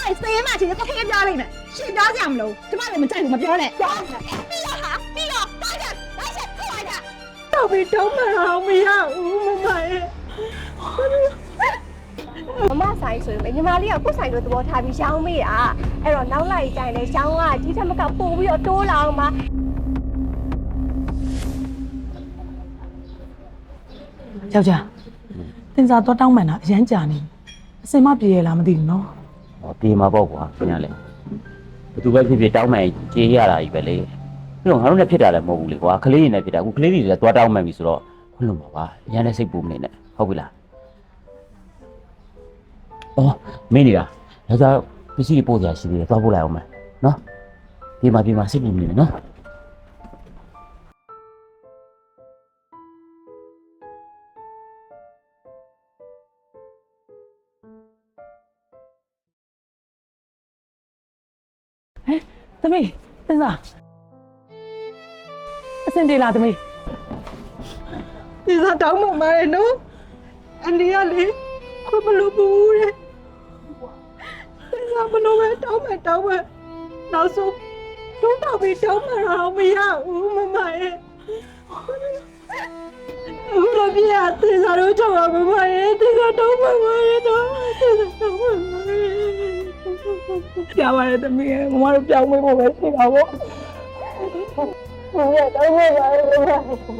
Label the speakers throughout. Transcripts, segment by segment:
Speaker 1: 也谁嘛？其实都可以表里面，谁表讲不喽？这把你们在怎么表嘞？表，必要哈，必要，大家来些，快点！到底都没好没呀？我买。
Speaker 2: မမဆိုင်ဆိုရင်ညီမလေးကကိုယ်ဆိုင်တို့သဘောထားပြီးရှောင်းမိတာအဲ့တော့နောက်လိုက်ကြရင်လည်းရှောင်းကဒီထက်မကပို့ပြီးတော့တိုးလာအောင်ပါ
Speaker 3: ယောက်ျားတင်စားတော့တောင်းမှန်တာအရန်ကြာနေအစင်မပြေရလားမသိဘူးနော်
Speaker 4: ဟောပြေမှာပေါ့ကွာခင်ဗျာလေဘသူပဲဖြစ်ဖြစ်တောင်းမှန်ကြေးရတာကြီးပဲလေပြီးတော့ငါတို့လည်းဖြစ်တာလည်းမဟုတ်ဘူးလေကွာကလေးတွေနဲ့ဖြစ်တာအခုကလေးတွေလည်းသွားတောင်းမှန်ပြီဆိုတော့ခွင့်လို့ပါပါအရန်လည်းစိတ်ပူမနေနဲ့ဟုတ်ပြီလားအော်မင်းနေတာယောက်ျားပစ္စည်းတွေပို့ကြရှိသေးတယ်သွားပို့လိုက်အောင်မယ်နော်ပြေမှာစိတ်ပူမနေနဲ့နော်
Speaker 3: သမီးတင်စားအစင်ပြေလားသမီးတင်စားတောင်းမှမာရဲ့နော်အန်ဒီကလေခွမလို့ဘူးတဲ့တင်စားဘလို့ပဲတောင်းမှနောက်ဆုံးတုံးတော့ပြီးတောင်းမှတော့မရဘူးမမရဲ့အခုတော့ပြရတင်စားတော့ကြောက်ပါမမရဲ့တင်စားတောင်းမှမာရဲ့နော်တင်စားတောင်းမှမာရဲ့ပြောင်းရတယ်သမီးရဲ့မမတို့ပြောင်းမေးဖို့ပဲရှိတာပေါ့မမတောင်းမှပါရဲ့မမတောင်း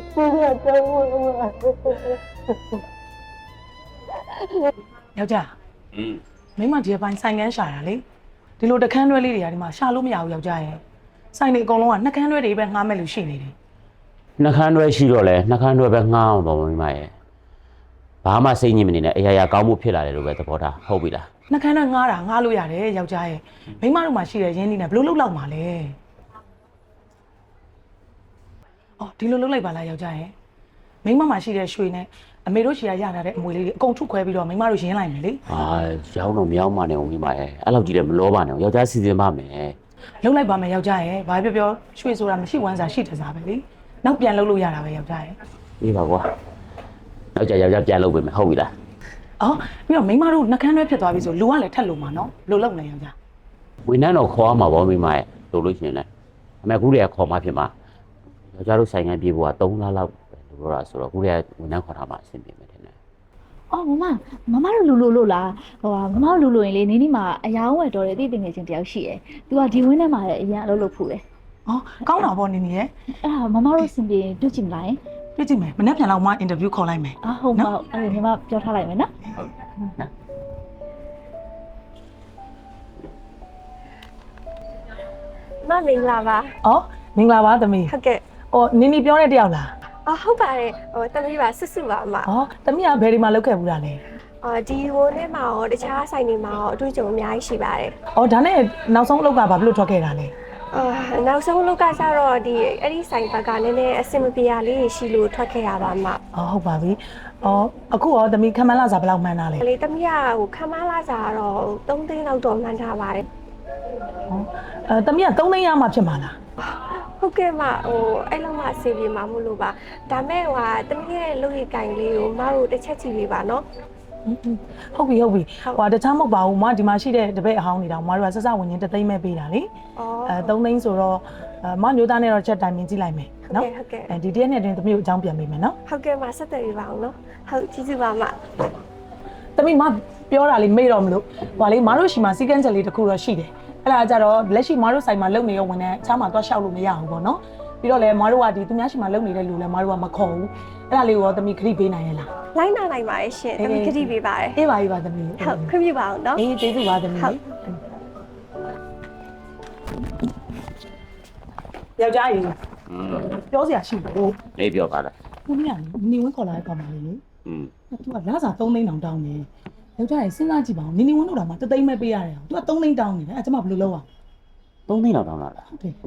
Speaker 3: မှယောက်ျားမိမဒီပိုင်းဆိုင်ကန်းရှာတာလေဒီလိုတခန်းတွဲလေးတွေကဒီမှာရှာလို့မရဘူးယောက်ျားရဲ့ဆိုင်တွေအကုန်လုံးကနှကန်းတွဲတွေပဲငှားမဲ့လို့ရှိနေတယ်
Speaker 4: နှကန်းတွဲရှိတော့လေနှကန်းတွဲပဲငှားအောင်တော့မိမရဲ့ဘာမှစိတ်ညစ်မနေနဲ့အရာကောင်းမှုဖြစ်လာတယ်လို့ပဲသဘောထားဟုတ်ပြီလား
Speaker 3: နှကန်းတွဲငှားတာငှားလို့ရတယ်ယောက်ျားရဲ့မိမတို့မှာရှိတဲ့ရင်းနှီးနဲ့ဘလို့လောက်မှာလဲအော်ဒီလိုလုပ်လိုက်ပါလားယောက်ျားရဲ့မိမမှာရှိတဲ့ရွှေနဲ့အမေတို့ရှီရရလာတဲ့အမွေလေးတွေအကုန်ထုတ်ခွဲပြီးတော့မိမတို့ရင်းလိုက်မယ်လေ
Speaker 4: ဟာရောင်းတော့မရောင်းပါနဲ့ဦးမိမရဲ့အဲ့လောက်ကြီးလည်းမလောပါနဲ့ယောက်ျားစီစဉ်ပါမယ်
Speaker 3: လှုပ်လိုက်ပါမယ်ယောက်ျားရဲ့ဘာပြောရွှေဆိုတာမရှိဝမ်းစာရှိတစားပဲလေနောက်ပြန်လှုပ်လို့ရတာပဲယောက်ျားရဲ့
Speaker 4: အေးပါကွာနောက်ကြယောက်ျားပြန်လှုပ်ပေးမယ်ဟုတ်ပြီလား
Speaker 3: အော်ပြီးတော့မိမတို့နှကန်းတွဲဖြစ်သွားပြီဆိုလူကလည်းထက်လို့မှာနော်လို့လုပ်နေယောက်ျား
Speaker 4: ဝန်ထမ်းတော့ခေါ်မှာပေါ့မိမရဲ့လို့လို့ရှိရင်လည်းအမေကူတွေကခေါ်မှဖြစ်မှာယောက်ျားတို့ဆိုင်ငံပြေဖို့က3လလောက်ပဲလို့ပြောတာဆိုတော့ကူတွေကဝန်ထမ်းခေါ်ထားမှအဆင်ပြေမယ်ထင်တယ်
Speaker 1: အော်မမတို့လူလို့လားဟိုမမတို့လူလို့ရင်လေနင်းနီမှာအယောင်းဝယ်တော်တယ်တိတင်ငယ်ချင်းတယောက်ရှိတယ်။ तू ကဒီဝင်းထဲမှာလည်းအရင်အလုပ်လုပ်ဖို့လေ
Speaker 3: ။အော်ကောင်းတာပေါ့နင်းနီရဲ့
Speaker 1: ။အဲ့ဒါမမတို့စင်ပြေတွေ့ကြည့်မလား
Speaker 3: ။တွေ့ကြည့်မယ်။မနေ့ပြန်လောက်မှအင်တာဗျူးခေါ်လိုက်မယ်
Speaker 1: ။ဟုတ်ပါဘူး။အဲ့ဒါမမပြောထားလိုက်မယ်နော်။
Speaker 4: ဟုတ်နော်
Speaker 2: မမင်္ဂလာပါ
Speaker 3: ။အော်မင်္ဂလာပါသမီး
Speaker 2: ။ဟုတ်ကဲ့
Speaker 3: ။အော်နင်းနီပြောတဲ့တယောက်လား
Speaker 2: ။ဟုတ်ပါတယ်။တမီးပါစွတ်ပါအမ
Speaker 3: ။အော်သမီးကဘယ်ဒီမှာလုပ်ခဲ့ဘူးလားလဲ
Speaker 2: ။ဒီဝိုးထဲမှာရောတခြားဆိုင်တွေမှာရောအတွေ့အကြုံအများကြီးရှိပါတယ်
Speaker 3: ။အော်ဒါနဲ့နောက်ဆုံးအလုပ်ကဘာလို့ထွက်ခဲ့တာလဲ
Speaker 2: ။နောက်ဆုံးအလုပ်ကကျတော့အဲ့ဒီဆိုင်ဘက်ကနည်းနည်းအဆင်မပြေရလေးရှိလို့ထွက်ခဲ့ရပါအမ
Speaker 3: ။အော်ဟုတ်ပါပြီ။အော်အခုရောသမီးခမန်းလာစားဘယ်လောက်မှန်းတာလဲ
Speaker 2: ။လေသမီးကခမန်းလာစားတော့3သိန်းလောက်တော့မှန်းထားပါတယ်
Speaker 3: ။အော်သမီးက3သိန်းရမှဖြစ်မှာလား
Speaker 2: ။ဟုတ်ကဲ့မအဲ့လောက်မှအစီပြေမှာမလို့ပါဒါမဲ့တမီးရဲ့လုပ်ရည်ကင်လေးကိုမတို့တစ်ချက်ကြည့်ပေးပါနော်
Speaker 3: ဟုတ်ပြီတခြားမဟုတ်ပါဘူးဒီမှာရှိတဲ့တပည့်အဟောင်းတွေတောင်မတို့ကဆက်စဝင်ချင်း3သိန်းပဲပေးတာလေ3သိန်းဆိုတော့မမျိုးသားနဲ့တော့ချက်တိုင်မြင်ကြည့်လိုက်မယ်နော်
Speaker 2: ဟုတ်ကဲ့
Speaker 3: ဒီတရက်နဲ့တွင်သမီးကိုအကြောင်းပြန်ပေးမယ်နော်
Speaker 2: ဟုတ်ကဲ့မဆက်သွယ်ပေးပါအောင်နော်ဟုတ်ကျေးဇူးပါမ
Speaker 3: သမီးမပြောတာလေးမေ့တော့မလို့လေမတို့ရှိမှာစီကန်းချက်လေးတစ်ခုတော့ရှိတယ်အဲ့ဒါကြတော့လက်ရှိမတို့ဆိုင်မှာလုပ်နေရောဝင်တဲ့ချားမှာသွားလျှောက်လို့မရဘူးပေါ့နော်ပြီးတော့လည်းမတို့ကသူများရှိမှာလုပ်နေတဲ့လူလည်းမတို့ကမခေါ်ဘူးအဲ့ဒါလေးကိုသမီးခရီးပေးနိုင်ရလား
Speaker 2: လိုက်နိုင်ပါရဲ့ရှင်သမီးခရီးပေးပါတယ်
Speaker 3: အေးပါသမီး
Speaker 2: ဟုတ်ခွင့်ပြုပါအောင်နော်
Speaker 3: အေးကျေးဇူးပါသမီးယောက်ျားကြီးပြောစရာရှိဘူး
Speaker 4: လေးပြောပါလား
Speaker 3: ခုနကနေဝင်းခေါ်လာတဲ့ကောင်မလေးလေသူကလာစား3သိန်းတောင်းတယ်ယောက်ျားကြီးစဉ်းစားကြည့်ပါဦးနေဝင်းတို့တော့မှ3သိန်းပဲပေးရတယ်သူက3သိန်းတောင်းနေတယ်အဲ့ကျမဘယ်လိုလုပ်အောင်
Speaker 4: 3သိန်းတောင်းလာလား
Speaker 3: ဟုတ်တယ်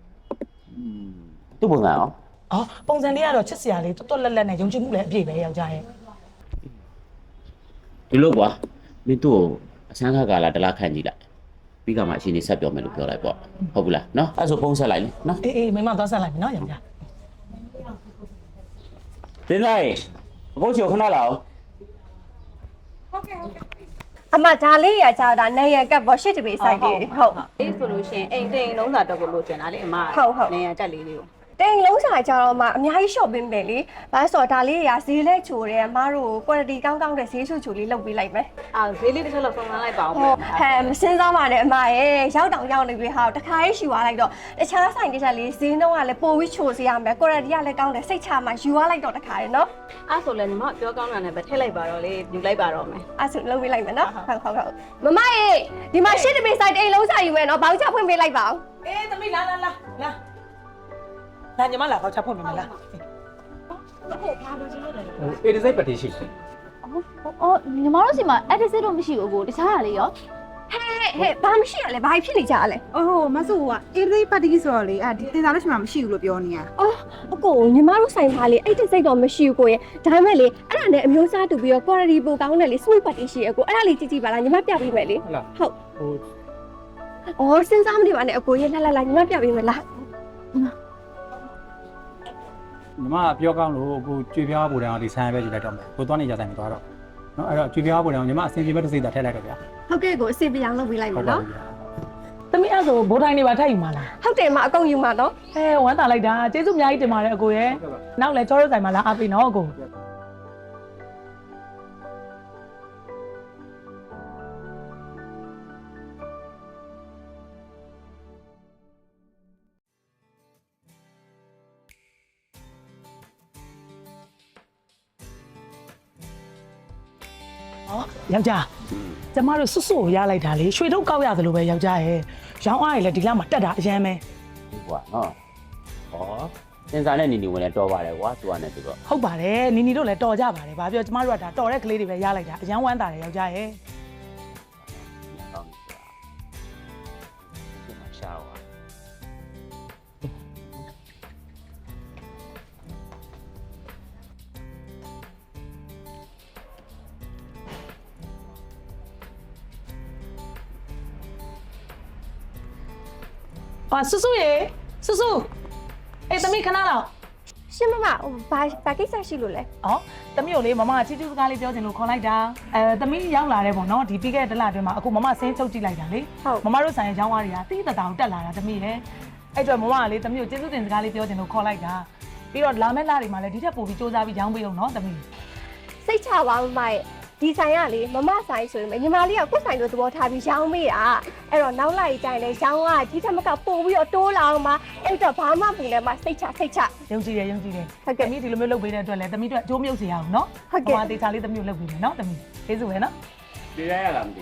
Speaker 4: သူ့ပုံစံရော
Speaker 3: ပုံစံလေးကတော့ချစ်စရာလေးတွတ်လက်နဲ့ယုံကြည်မှုလည်းအပြည့်ပဲယောက်ျားရဲ့
Speaker 4: ဒီလိုကွာမင်းတို့အစမ်းခါကာလာတလားခန့်ကြည့်လိုက်ပြီးကမှအရှင်နေဆက်ပြောမယ်လို့ပြောလိုက်ပေါ့ဟုတ်ဘူးလားနော်အဲ့ဆိုဖုန်းဆက်လိုက်လေနော်
Speaker 3: အေးမိမသွားဆက်လိုက်မယ်နော်ယောက်ျား
Speaker 4: တင်းလိုက်အခုချိုခဏလာအောင်
Speaker 2: ဟုတ်ကဲ့အမဒါလေးရကြတာနေရကပ်ပေါ်ရှစ်တပေဆိုင်လေးဟုတ်
Speaker 5: အေးဆိုလို့ရှိရင်အိမ်တိမ်လုံးစာတော့ကိုလိုချင်တာလေအမနေရတက်လေးလေးကို
Speaker 2: တိမ်လုံးဆိုင်ကြတော့မှအများကြီး shop ပေးမယ်လေဘာလို့ဆိုတော့ဒါလေးရဈေးလဲချိုတယ်အမတို့ quality ကောင်းကောင်းတဲ့ဈေးချိုလေးလုပ်ပေးလိုက်မယ်
Speaker 5: အာဈေးလေးတစ်ချက်လောက်ဆုံးမလိုက်ပါအောင်
Speaker 2: ဟုတ်ဟဲ့မစင်းစားပါနဲ့အမရဲ့ရောက်တောင်ရောက်နေပြီဟာတခါရေးရှူသွားလိုက်တော့တခြားဆိုင်တစ်ချက်လေးဈေးနှုန်းကလည်းပိုပြီးချိုစေရမယ် quality ကလည်းကောင်းတယ်စိတ်ချမှယူသွားလိုက်တော့တခါရယ်နော်
Speaker 5: အဲ့ဆိုလည်းညီမပြောကောင်းတာနဲ့ပဲထည့်လိုက်ပါတော့လေယူလိုက်ပါတော့မယ်
Speaker 2: အဲ့ဆိုလုပ်ပေးလိုက်မယ်နော်ဟုတ်မမရေဒီမှာရှစ်တပေဆိုင်တိမ်လုံးဆိုင်ယူမယ်နော်ဘောက်ချဖွင့်ပေးလိုက်ပါဦး
Speaker 3: အေးသမီးလာညီမလာတော့ချက်ဖွင့်မယ်လား
Speaker 6: အေဒီစိတ်ပတိရှိ
Speaker 1: အော်ညီမတို့စီမှာ edit တော့မရှိဘူးကိုတခြားဟာလေးရော
Speaker 2: ဟဲ့ဘာမရှိရလဲဘာဖြစ်နေကြလဲ
Speaker 3: အိုးမဆူကအေးလေးပါတီဆိုတော့လေဒီတင်စားလို့ရှိမှမရှိဘူးလို့ပြောနေရ
Speaker 2: အော်အကိုညီမတို့ဆိုင်ပါလေအဲ့တစ်စိတ်တော့မရှိဘူးကိုရဲ့ဒါပေမဲ့လေအဲ့ဒါနဲ့အမျိုးအစားတူပြီးတော့ quality ပိုကောင်းတယ်လေ sweet party ရှိရကိုအဲ့ဒါလေးကြည့်ကြည့်ပါလားညီမပြပေးမယ်လေ
Speaker 6: ဟုတ်လား
Speaker 2: ဟုတ်
Speaker 6: ဟို
Speaker 2: အော်စဉ်းစားမနေပါနဲ့အကိုရဲ့လာညီမပြပေးမယ်လား
Speaker 6: ညီမပြောကောင်းလို့ကိုကြွေပြားပူတန်းအောင်ဒီဆိုင်ပဲယူလိုက်တော့မယ်ကိုသွားနေကြဆိုင်မသွားတော့နော်အဲ့တော့ကြွေပြားပူတန်းအောင်ညီမအစင်ပြေဘက်တစ်စိတ်သာထည့်လိုက်တော့ဗျာ
Speaker 2: ဟုတ်ကဲ့ကိုအစီပြအောင်လုပ်ပေးလိုက်မယ်နော်
Speaker 7: သမီးအဲ့ဆိုဘိုးတိုင်းနေပါထိုက်ယူမှာလား
Speaker 2: ဟုတ်တယ်မအကုန်ယူမှာနော်
Speaker 7: ဝမ်းသာလိုက်တာကျေးဇူးအများကြီးတင်ပါတယ်အကိုရဲ့နောက်လဲကျောရိုးဆိုင်မှာလာအားပေးနော်အကို ယောက်ျားကျမတို့စွတ်စွတ်ကိုရလိုက်တာလေရွှေထုတ်ကောက်ရသလိုပဲယောက်ျားရဲ့ရောင်းအားရည်လည်းဒီလမှာတက်တာအရင်ပဲ
Speaker 4: ဒီကွာနော်ဟောစင်စာနဲ့နီနီဝင်လဲတော်ပါတယ်ကွာသူကနဲ့သူတော့
Speaker 7: ဟုတ်ပါတယ်နီနီတို့လည်းတော်ကြပါတယ်ဗာပြောကျမတို့ကဒါတော်တဲ့ကလေးတွေပဲရလိုက်တာအရင်ဝမ်းသာတယ်ယောက်ျားရဲ့
Speaker 4: ကောင်းပြီကွာဒီမှာရှားပါ
Speaker 7: ဟာစွတ်စွတ်ရေစွတ်စွတ်အေးသမီးခဏလောက်
Speaker 2: ရှင်မမဘာကိစ္စရှိလို့လဲ
Speaker 7: ဩသမီးကိုလေမမချီချူစကားလေးပြောချင်လို့ခေါ်လိုက်တာသမီးရောက်လာတယ်ပေါ့နော်ဒီပြီးခဲ့တဲ့တစ်လအတွင်းမှာအခုမမဆင်းချုပ်ကြည့်လိုက်တာလေမမတို့ဆိုင်ရဲ့ရောင်းဝါးတွေကတိတတောင်တက်လာတာသမီးရဲ့အဲ့တော့မမကလေသမီးကိုကျေးဇူးတင်စကားလေးပြောချင်လို့ခေါ်လိုက်တာပြီးတော့လာမယ့်လတွေမှာလည်းဒီထက်ပိုပြီးစူးစမ်းပြီးရောင်းပေးအောင်နော်သမီး
Speaker 2: စိတ်ချပါမမရဲ့ဒီဆိုင်ကလေမမဆိုင်ဆိုရင်ညီမလေးကကိုယ်ဆိုင်လိုသဘောထားပြီးရောင်းမေးတာအဲ့တော့နောက်လိုက်တိုင်းလဲရောင်းကဒီထက်မကပို့ပြီးတော့တိုးလာအောင်ပါအဲ့တော့ဘာမှမပူလဲမစိတ်ချ
Speaker 7: ယုံကြည်တယ်ဟုတ်ကဲ့
Speaker 2: သမီး
Speaker 7: ဒီလိုမျိုးလုပ်ပေးတဲ့အတွက်လည်းသမီးတို့အကျိုးမြုပ်စေရအောင်နော်မမတေချာလေးသမီးကိုလုပ်ပေးမယ်နော်သမီးကျေးဇူးပဲနော်
Speaker 4: ပြေးရလားမသိ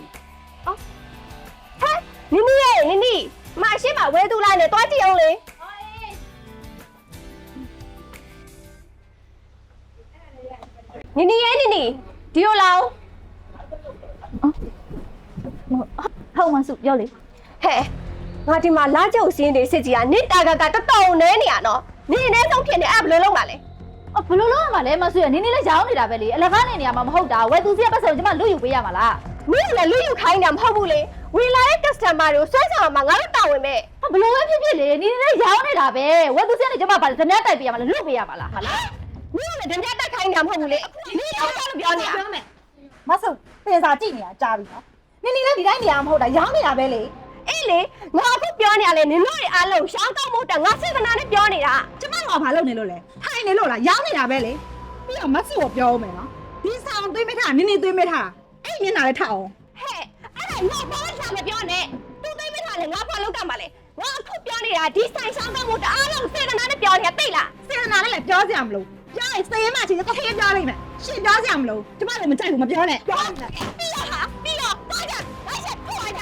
Speaker 2: နီနီရဲ့နီနီမအရှိမဝဲသူလိုက်နဲ့တွားကြည့်အောင်လေနီနီရဲ့နီနီဒီလိုလောက်
Speaker 1: ဟုတ်မှစုပြောလေ
Speaker 2: ဟဲ့ငါဒီမှာလာကြုတ်စင်းနေစစ်ကြီးကနေတာကတော်တော်နဲနေရနော်နေနေဆုံးဖြစ်နေအဲ့ဘယ်လိုလုပ်မှာလဲ
Speaker 1: အော်ဘလို့လုံးရမှာလဲမစုရနင်းနေလဲရောင်းနေတာပဲလေအလကားနေနေရမှာမဟုတ်တာဝယ်သူစီကပတ်စံကိုကျမလူယူပေးရမှာလား
Speaker 2: မင်းလည်းလူယူခိုင်းတာမဟုတ်ဘူးလေဝင်လာတဲ့ customer တွေကိုဆွဲဆောင်မှာငါတို့တာဝန်ပဲ
Speaker 1: ဘလို့ပဲဖြစ်ဖြစ်လေနင်းနေလဲရောင်းနေတာပဲဝယ်သူစီကနေကျမပါလေဓမြတိုက်ပေးရမှာလားလွတ်ပေးရမှာလားဟာလား
Speaker 2: မင်းလည်းဓမြတက်ခိုင်းတာမဟုတ်ဘူးလေမင်းတော့လို့ပြောနေတာ
Speaker 3: မဆူတင်စားကြည့်နေတာကြားပြီနော်နင်နေလည်းဒီတိုင်းနေရမှာမဟုတ်တာရောင်းနေတာပဲလေ
Speaker 2: အေးလေငါအခုပြောနေရလေနင်တို့တွေအားလုံးရှောင်းတော့မဟုတ်တာငါစေတနာနဲ့ပြောနေတာ
Speaker 3: ကျမကဘာလုပ်နေလို့လဲထိုင်နေလို့လားရောင်းနေတာပဲလေပြီးတော့မဆူကိုပြောဦးမယ်နော်ဒီဆောင်သွေးမထားနင်နေသွေးမထားအဲ့မျက်နှာလည်းထအောင်
Speaker 2: ဟဲ့အဲ့ဒါငါဘာမှမပြောနဲ့သူသိမထားလေငါဘာလုပ်ကမှာလဲငါအခုပြောနေတာဒီဆိုင်ရှောင်းတော့မဟုတ်တာအားလုံးစေတနာနဲ့ပြောနေတာသိလား
Speaker 3: စေတနာနဲ့လည်းပြောစရာမလိုပြောရင်စေးမှချင်းတစ်ခေတ်ပြောလိုက်မယ်ရှင်ပြောစရာမလိုကျမလည်းမကြိုက်ဘူးမပြောနဲ့ပြောနေတယ်
Speaker 2: ပြီးတော့သွားကြလိုက်ချက်ခေါ်လိုက်ကြ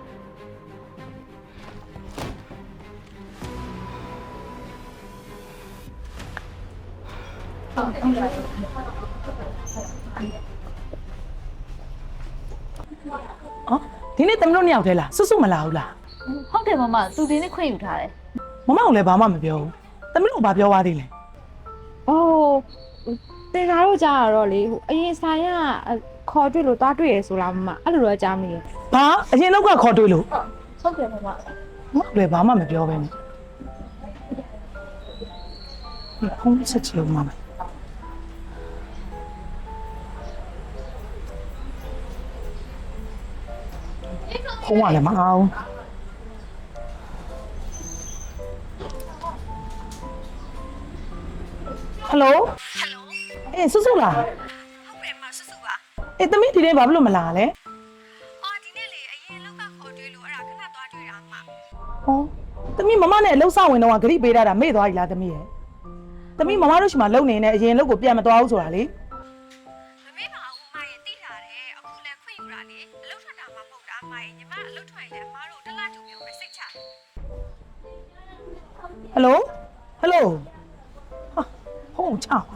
Speaker 7: ဒီနေ့သမီးတို့နှစ်ယောက်တည်းလားစွတ်စွတ်မလာဘူးလား
Speaker 1: ဟုတ်တယ်မမသူဒီနေ့ခွင့်ယူထားတယ်
Speaker 7: မမကလည်းဘာမှမပြောဘူးသမီးတို့ဘာပြောသွားသေးလဲ
Speaker 8: အိုးတင်သားတို့ကြားရတော့လေဟိုအရင်ဆိုင်ကခေါ်တွေ့လို့သွားတွေ့ရဆိုလားမမအဲ့လိုတော့ကြားမိရ
Speaker 7: ဘာအရင်တော့ကခေါ်တွေ့လို့
Speaker 1: ဟုတ်တယ်မမ
Speaker 7: မမကလည်းဘာမှမပြောပဲနဲ့ဖုန်းဆက်ချင်ဦးမမဖုန်းကလည်းမအောင်ဟယ်လိုအေးဆုစုလားဟုတ်တယ်မဆုစုပါအေးသမီးဒီနေ့ဘာဖြစ်လို့မလာလဲအော်ဒီနေ့လေအရင်လောက်ကခေါ်တွေ့လို့အဲ့ဒါခဏသွားတွေ့တာအမဟောသမီးမမနဲ့လှုပ်ဆောင်ဝင်တော့ဂရိပေးတာမေ့သွားပြီလားသမီးရဲ့သမီးမမတို့ရှိမှလုံနေနေအရင်လုတ်ကိုပြန်မသွားဘူးဆိုတာလေမမေ့ပါဘူးမရဲ့တိထားတယ်အခုလည်းခွင့်ယူတာလေအလုပ်ထွက်တာမှမဟုတ်တာမရဲ့ညီမအလုပ်ထွက်ရင်လည်းအမတို့တစ်လတူမျိုးပဲစိတ်ချဟယ်လိုဟယ်လိုဟာဟုတ်ချပါ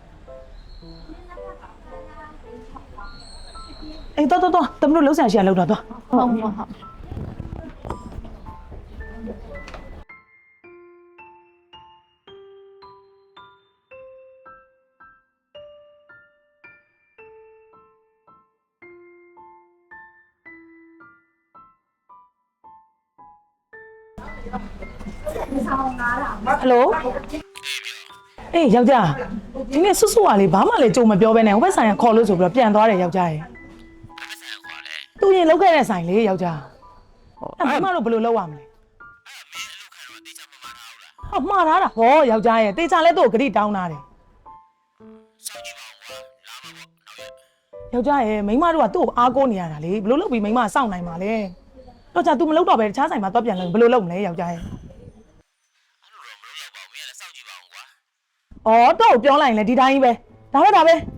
Speaker 7: အေးတော့တမလို့လှုပ်ဆန်ရှာလောက်တော့ဟုတ်ဟယ်လိုအေးယောက်ျားဒီနေ့ဆွတ်ကလေးဘာမှလည်းကြုံမပြောဘဲနဲ့ဟိုဘက်ဆိုင်ကခေါ်လို့ဆိုပြီးတော့ပြန်သွားတယ်ယောက်ျားရဲ့သူရင်လောက်ခဲ့တဲ့ဆိုင်လေးယောက်ျားအဲ့ဘာမှတော့ဘယ်လိုလုပ်ရမလဲဟောမှားထားတာဟောယောက်ျားရဲ့တေချာလဲသူ့ကိုဂရိတောင်းတာတယ်ယောက်ျားရဲ့မိန်းမတို့ကသူ့ကိုအားကိုးနေရတာလေဘယ်လိုလုပ်ပြီးမိန်းမစောင့်နိုင်မှာလဲတော့ကြာ तू မလုပ်တော့ပဲတခြားဆိုင်မှာတော့ပြန်လို့ဘယ်လိုလုပ်မလဲယောက်ျားရဲ့အော်တော့ပြောလိုက်ရင်လည်းဒီတိုင်းကြီးပဲဒါပဲ